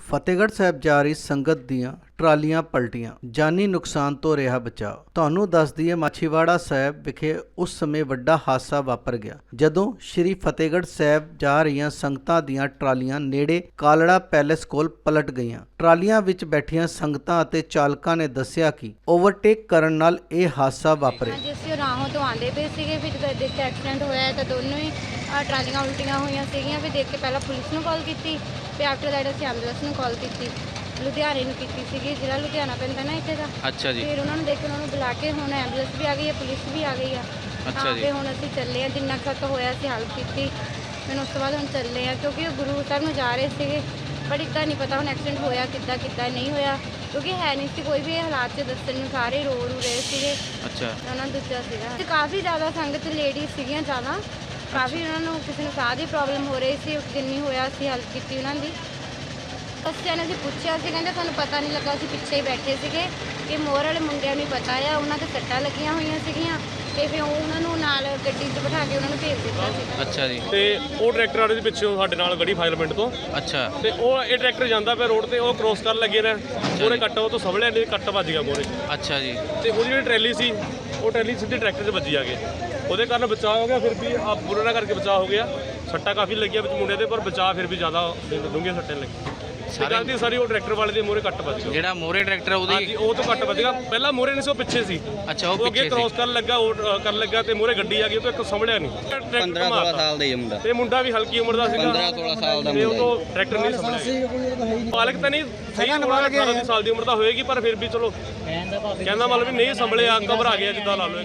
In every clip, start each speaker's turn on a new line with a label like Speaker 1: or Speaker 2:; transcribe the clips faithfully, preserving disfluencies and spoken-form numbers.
Speaker 1: ਫਤਿਹਗੜ੍ਹ ਸਾਹਿਬ ਜਾ ਰਹੀ ਸੰਗਤ ਦੀਆਂ ਟਰਾਲੀਆਂ ਪਲਟੀਆਂ, ਜਾਨੀ ਨੁਕਸਾਨ ਤੋਂ ਰਿਹਾ ਬਚਾਅ। ਤੁਹਾਨੂੰ ਦੱਸ ਦਈਏ, ਮਾਛੀਵਾੜਾ ਸਾਹਿਬ ਵਿਖੇ ਉਸ ਸਮੇਂ ਵੱਡਾ ਹਾਦਸਾ ਵਾਪਰ ਗਿਆ ਜਦੋਂ ਸ਼੍ਰੀ ਫਤਿਹਗੜ੍ਹ ਸਾਹਿਬ ਜਾ ਰਹੀਆਂ ਸੰਗਤਾਂ ਦੀਆਂ ਟਰਾਲੀਆਂ ਨੇੜੇ ਕਾਲੜਾ ਪੈਲੇਸ ਕੋਲ ਪਲਟ ਗਈਆਂ। ਟਰਾਲੀਆਂ ਵਿੱਚ ਬੈਠੀਆਂ ਸੰਗਤਾਂ ਅਤੇ ਚਾਲਕਾਂ ਨੇ ਦੱਸਿਆ ਕਿ ਓਵਰਟੇਕ ਕਰਨ ਨਾਲ ਇਹ ਹਾਦਸਾ ਵਾਪਰਿਆ।
Speaker 2: ਜਿਸ ਰਾਹੋਂ ਤੋਂ ਆਉਂਦੇ ਪਏ ਸੀਗੇ, ਫਿਰ ਜਦੋਂ ਦੇਖ ਕੇ ਐਕਸੀਡੈਂਟ ਹੋਇਆ ਤਾਂ ਦੋਨੋਂ ਹੀ ਟਰਾਲੀਆਂ ਉਲਟੀਆਂ ਹੋਈਆਂ ਸੀਗੀਆਂ। ਫਿਰ ਦੇਖ ਕੇ ਪਹਿਲਾਂ ਪੁਲਿਸ ਨੂੰ ਕਾਲ ਕੀਤੀ, ਫਿਰ ਆਫਟਰ ਦੈਟ ਅਸੀਂ ਐਂਬੂਲੈਂਸ ਨੂੰ ਕਾਲ ਕੀਤੀ, ਲੁਧਿਆਣੇ ਨੂੰ ਕੀਤੀ ਸੀਗੀ, ਜਿਹੜਾ ਲੁਧਿਆਣਾ ਪੈਂਦਾ ਨਾ ਇੱਥੇ ਦਾ।
Speaker 3: ਅੱਛਾ ਜੀ।
Speaker 2: ਫਿਰ ਉਹਨਾਂ ਨੂੰ ਦੇਖ ਕੇ ਉਹਨਾਂ ਨੂੰ ਬੁਲਾ ਕੇ ਹੁਣ ਐਂਬੂਲੈਂਸ ਵੀ ਆ ਗਈ ਹੈ, ਪੁਲਿਸ ਵੀ ਆ ਗਈ ਆ।
Speaker 3: ਅੱਛਾ ਜੀ।
Speaker 2: ਤੇ ਹੁਣ ਅਸੀਂ ਚੱਲੇ ਆ, ਜਿੰਨਾ ਖਤ ਹੋਇਆ ਅਸੀਂ ਹੈਲਪ ਕੀਤੀ। ਫਿਰ ਉਸ ਤੋਂ ਬਾਅਦ ਹੁਣ ਚੱਲੇ ਆ, ਕਿਉਂਕਿ ਉਹ ਗੁਰੂ ਸਾਹਿਬ ਨੂੰ ਜਾ ਰਹੇ ਸੀਗੇ, ਪਰ ਇੱਦਾਂ ਨਹੀਂ ਪਤਾ ਹੁਣ ਐਕਸੀਡੈਂਟ ਹੋਇਆ ਕਿੱਦਾਂ ਕਿੱਦਾਂ ਨਹੀਂ ਹੋਇਆ, ਕਿਉਂਕਿ ਹੈ ਨਹੀਂ ਸੀ ਕੋਈ ਵੀ ਹਾਲਾਤ 'ਚ ਦੱਸਣ ਨੂੰ, ਸਾਰੇ ਰੋ ਰੂ ਰਹੇ ਸੀਗੇ।
Speaker 3: ਅੱਛਾ।
Speaker 2: ਉਹਨਾਂ ਨੂੰ ਦੂਜਾ ਸੀਗਾ ਤੇ ਕਾਫੀ ਜ਼ਿਆਦਾ ਸੰਗਤ ਲੇਡੀਜ਼ ਸੀਗੀਆਂ ਜ਼ਿਆਦਾ, ਕਾਫੀ ਉਹਨਾਂ ਨੂੰ ਕਿਸੇ ਨੂੰ ਸਾਹ ਦੀ ਪ੍ਰੋਬਲਮ ਹੋ ਰਹੀ ਸੀ। ਜਿੰਨੀ ਹੋਇਆ ਅਸੀਂ ਹੈਲਪ ਕੀਤੀ ਉਹਨਾਂ ਦੀ। ਬੱਚਿਆਂ ਨੇ ਅਸੀਂ ਪੁੱਛਿਆ ਸੀ, ਕਹਿੰਦੇ ਸਾਨੂੰ ਪਤਾ ਨਹੀਂ ਲੱਗਾ, ਅਸੀਂ ਪਿੱਛੇ ਹੀ ਬੈਠੇ ਸੀਗੇ ਕਿ ਮੋਰ ਵਾਲੇ ਮੁੰਡਿਆਂ ਨੂੰ ਪਤਾ ਆ, ਉਹਨਾਂ 'ਤੇ ਸੱਟਾਂ ਲੱਗੀਆਂ ਹੋਈਆਂ ਸੀਗੀਆਂ ਤੇ ਫਿਰ ਉਹਨਾਂ ਨੂੰ ਨਾਲ ਗੱਡੀ 'ਚ ਬਿਠਾ ਕੇ ਉਹਨਾਂ ਨੂੰ ਭੇਜ ਦਿੱਤਾ ਸੀ।
Speaker 3: ਅੱਛਾ ਜੀ।
Speaker 4: ਤੇ ਉਹ ਟਰੈਕਟਰ ਵਾਲੇ ਦੇ ਪਿੱਛੋਂ ਸਾਡੇ ਨਾਲ ਗੜੀ ਫਾਇਰ ਪਿੰਡ ਤੋਂ।
Speaker 3: ਅੱਛਾ।
Speaker 4: ਤੇ ਉਹ ਇਹ ਟਰੈਕਟਰ ਜਾਂਦਾ ਪਿਆ ਰੋਡ ਤੇ, ਉਹ ਕ੍ਰੋਸ ਕਰਨ ਲੱਗੇ ਨੇ, ਮੋਰੇ ਕੱਟ ਉਹ ਤੋਂ ਸਵਲਿਆ ਨੇ, ਕੱਟ ਵੱਜ ਗਿਆ ਮੋਰੇ।
Speaker 3: ਅੱਛਾ ਜੀ।
Speaker 4: ਤੇ ਉਹਦੀ ਜਿਹੜੀ ਟਰੈਲੀ ਸੀ, ਉਹ ਟਰੈਲੀ ਸਿੱਧੀ ਟਰੈਕਟਰ 'ਚ ਵੱਜੀ ਆ ਕੇ, ਉਹਦੇ ਕਾਰਨ ਬਚਾਅ ਹੋ ਗਿਆ। ਫਿਰ ਵੀ ਆ ਬੁਰਾ ਕਰਕੇ ਬਚਾਅ ਹੋ ਗਿਆ। ਸੱਟਾਂ ਕਾਫੀ ਲੱਗੀਆਂ ਵਿੱਚ ਮੁੰਡੇ ਦੇ, ਪਰ ਬਚਾਅ ਫਿਰ ਵੀ ਜ਼ਿਆਦਾ ਡੂੰਘੀਆਂ ਸੱਟਾਂ ਲੱਗੀਆਂ। ਗਲਤੀ ਸਾਰੀ ਉਹ ਟਰੈਕਟਰ ਵਾਲੇ ਦੇ ਮੋਰੇ ਕੱਟ ਵੱਜ ਗਿਆ।
Speaker 3: ਜਿਹੜਾ ਮੋਰੇ ਟਰੈਕਟਰ ਉਹਦੀ
Speaker 4: ਹਾਂਜੀ, ਉਹ ਤੋਂ ਕੱਟ ਵੱਜ ਗਿਆ। ਪਹਿਲਾਂ ਮੋਰੇ ਨਹੀਂ ਸੀ, ਉਹ ਪਿੱਛੇ ਸੀ।
Speaker 3: ਅੱਛਾ, ਉਹ
Speaker 4: ਉਹ ਅੱਗੇ
Speaker 3: ਪਿੱਛੇ
Speaker 4: ਕ੍ਰੋਸ
Speaker 3: ਸੀ।
Speaker 4: ਕਰਨ ਲੱਗਾ, ਉਹ ਕਰਨ ਲੱਗਾ ਤੇ ਮੋਰੇ ਗੱਡੀ ਆ ਗਈ, ਉਹ ਤੋਂ ਇੱਕ ਸੰਭਲਿਆ ਨਹੀਂ।
Speaker 5: ਪੰਦਰਾਂ ਸੋਲਾਂ ਸਾਲ ਦਾ ਹੀ ਮੁੰਡਾ,
Speaker 4: ਤੇ ਮੁੰਡਾ ਵੀ ਹਲਕੀ ਉਮਰ ਦਾ ਸੀਗਾ,
Speaker 5: ਪੰਦਰਾਂ ਸੋਲਾਂ ਸਾਲ ਦਾ
Speaker 4: ਤੇ ਉਹ
Speaker 5: ਮੁੰਡਾ।
Speaker 4: ਤੋਂ ਟਰੈਕਟਰ ਨਹੀਂ ਸੰਭਲਿਆ। ਮਾਲਕ ਤਾਂ ਨਹੀਂ ਸਹੀ, ਅਠਾਰਾਂ ਸਾਲ ਦੀ ਉਮਰ ਦਾ ਹੋਏਗੀ, ਪਰ ਫਿਰ ਵੀ ਚਲੋ ਕਹਿੰਦਾ ਮਤਲਬ ਵੀ ਨਹੀਂ ਸੰਭਲਿਆ, ਘਬਰਾ ਗਿਆ ਜਿੱਦਾਂ ਲਾ ਲਓ।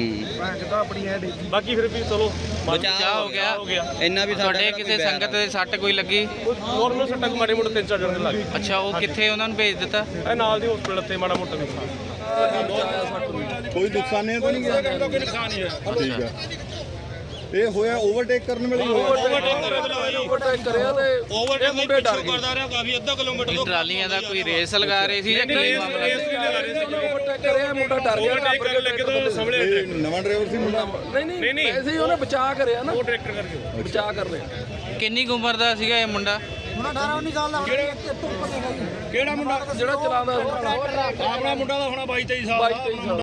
Speaker 5: ਹੂੰ।
Speaker 4: ਬਾਕੀ ਫਿਰ ਵੀ ਚਲੋ
Speaker 3: ਬਚਾਅ ਹੋ ਗਿਆ।
Speaker 4: ਹੋ ਗਿਆ।
Speaker 5: ਇੰਨਾ ਵੀ
Speaker 3: ਤੁਹਾਡੇ ਕਿਸੇ ਸੰਗਤ ਦੇ ਸੱਟ ਕੋਈ ਲੱਗੀ?
Speaker 4: ਨੋਰਮਲ ਸੱਟਾਂ ਮਾੜੇ ਮੋਟੇ ਤਿੰਨ ਚਾਰ ਜਣੇ ਲੱਗ ਗਏ।
Speaker 3: ਅੱਛਾ, ਉਹ ਕਿੱਥੇ ਉਹਨਾਂ ਨੂੰ ਭੇਜ ਦਿੱਤਾ?
Speaker 4: ਇਹ ਨਾਲ ਦੀ ਹਸਪੀਟਲ ਤੇ ਮਾੜਾ ਮੋਟਾ ਨੁਕਸਾਨ।
Speaker 6: ਕੋਈ ਨੁਕਸਾਨ ਨਹੀਂ ਤਾਂ ਨਹੀਂ ਗਿਆ?
Speaker 4: ਕੋਈ ਨੁਕਸਾਨ ਨਹੀਂ ਹੈ।
Speaker 6: ਠੀਕ ਹੈ। ਇਹ ਹੋਇਆ ਓਵਰਟੇਕ ਕਰਨ ਵੇਲੇ ਹੀ ਹੋਇਆ।
Speaker 4: ਓਵਰਟੇਕ ਕਰਿਆ ਤੇ ਓਵਰਟੇਕ ਮੁੰਡੇ ਡਰ ਗਏ। ਕਰਦਾ ਰਿਹਾ ਕਾਫੀ ਅੱਧਾ ਕਿਲੋਮੀਟਰ ਤੋਂ।
Speaker 3: ਟਰਾਲੀਆਂ ਦਾ ਕੋਈ ਰੇਸ ਲਗਾ ਰਹੇ ਸੀ ਜਾਂ ਕੀ ਮਾਮਲਾ?
Speaker 4: ਰੇਸ ਵੀ ਲਗਾ ਰਹੇ ਸੀ। ਓਵਰਟੇਕ ਕਰਿਆ, ਮੁੰਡਾ ਡਰ ਗਿਆ, ਓਵਰਟੇਕ ਲੱਗੇ ਤੋਂ ਸੰਭਲਿਆ।
Speaker 6: ਇਹ ਨਵਾਂ ਡਰਾਈਵਰ ਸੀ ਮੁੰਡਾ?
Speaker 4: ਨਹੀਂ ਨਹੀਂ, ਐਸੇ ਹੀ ਉਹਨੇ ਬਚਾਅ ਕਰਿਆ ਨਾ, ਉਹ ਟਰੈਕਟਰ ਕਰਕੇ ਬਚਾਅ ਕਰ ਲਿਆ।
Speaker 3: ਕਿੰਨੀ ਕੁ ਉਮਰ ਦਾ ਸੀਗਾ ਇਹ ਮੁੰਡਾ?
Speaker 7: ਮੁੰਡਾ ਅਠਾਰਾਂ ਉੱਨੀ ਸਾਲ ਦਾ ਹੋਣਾ।
Speaker 4: ਕਿਹੜਾ ਮੁੰਡਾ ਜਿਹੜਾ ਚਲਾਉਂਦਾ? ਆਪਣਾ ਮੁੰਡਾ ਦਾ ਹੋਣਾ ਬਾਈ ਤੇਈ ਸਾਲ ਦਾ।